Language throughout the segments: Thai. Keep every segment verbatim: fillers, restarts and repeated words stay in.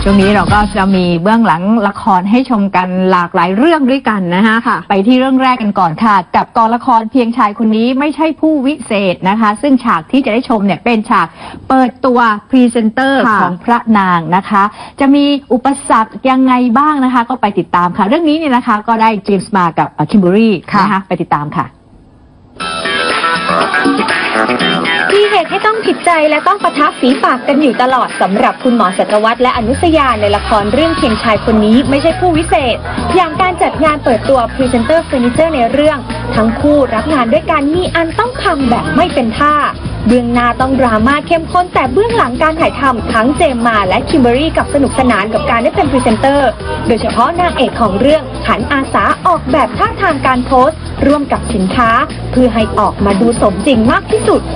ช่วงนี้เราก็จะมีเบื้องหลังละครให้ชมกันหลากหลายเรื่องด้วยกันนะคะไปที่เรื่องแรกกันก่อนค่ะกับกองละครเพียงชายคนนี้ไม่ใช่ผู้วิเศษนะคะซึ่งฉากที่จะได้ชมเนี่ยเป็นฉากเปิดตัวพรีเซนเตอร์ของพระนางนะคะจะมีอุปสรรคยังไงบ้างนะคะก็ไปติดตามค่ะเรื่องนี้เนี่ยนะคะก็ได้เจมส์มากับคิมเบอรี่นะคะไปติดตามค่ะมีเหตุให้ต้องผิดใจและต้องปะทะฝีปากกันอยู่ตลอดสำหรับคุณหมอศัตรวัฒน์และอนุสยาในละครเรื่องเพียงชายคนนี้ไม่ใช่ผู้วิเศษอย่างการจัดงานเปิดตัวพรีเซนเตอร์เฟอร์นิเจอร์ในเรื่องทั้งคู่รับงานด้วยกันมีอันต้องพังแบบไม่เป็นท่าเบื้องหน้าต้องดราม่าเข้มข้นแต่เบื้องหลังการถ่ายทำทั้งเจมมาและคิมเบอรี่กับสนุกสนานกับการได้เป็นพรีเซนเตอร์โดยเฉพาะนางเอกของเรื่องหันอาสาออกแบบท่าทางการโพสต์ร่วมกับสินค้าเพื่อให้ออกมาดูสมจริงมากที่สุด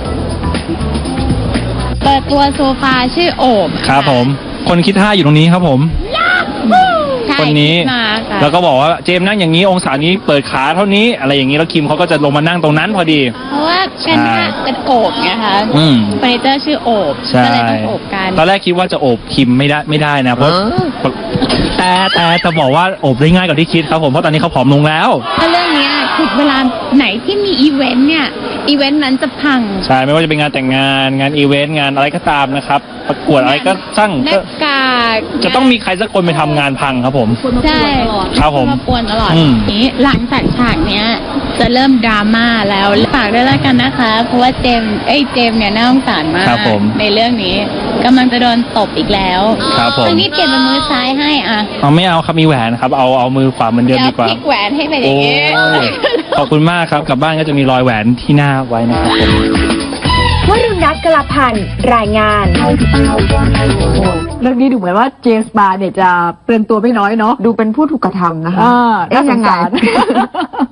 เปิดตัวโซฟาชื่อโอบครับผมคนคิดท่าอยู่ตรงนี้ครับผมคนนี้แล้วก็บอกว่าเจมนั่งอย่างนี้องศานี้เปิดขาเท่านี้อะไรอย่างนี้แล้วคิมเขาก็จะลงมานั่งตรงนั้นพอดีเพราะว่าเป็นท่าเป็นโอบไงคะเฟอร์นิเจอร์ชื่อโอบก็เลยต้องโอบกันตอนแรกคิดว่าจะโอบคิมไม่ได้ไม่ได้นะเพราะแต่แต่จะบอกว่าโอบได้ง่ายกว่าที่คิดครับผมเพราะตอนนี้เขาผอมลงแล้วถ้าเรื่องนี้คือเวลาไหนที่มีอีเวนต์เนี่ยอีเวนต์นั้นจะพังใช่ไม่ว่าจะเป็นงานแต่งงานงานอีเวนต์งานอะไรก็ตามนะครับประกวดอะไรก็ช่างหน้ากากจะต้องมีใครสักคนไปทำงานพังครับผมใช่ครับผมมาปวนตลอดนี้หลังจากฉากเนี้ยจะเริ่มดราม่าแล้วฝากด้วยแล้วกันนะคะเพราะว่าเจมเอ้ยเจมเนี่ยน่าสงสารมากในเรื่องนี้กำลังจะโดนตบอีกแล้วครับผมตรงนี้เก็บเป็นมือซ้ายให้อ่ะเอาไม่เอาครับมีแหวนครับเอาเอามือขวาเหมือนเดิมดีกว่าพลิกแหวนให้ไปอย่างนี้ขอบคุณมากครับกลับบ้านก็จะมีรอยแหวนที่หน้าไว้นะครับผมวรุณรัตน์กลาพันธ์รายงานเรื่องนี้ดูเหมือนว่าเจมส์มาเนี่ยจะเปลืองตัวไม่น้อยเนาะดูเป็นผู้ถูกกระทำนะคะเอ๊ะยังไง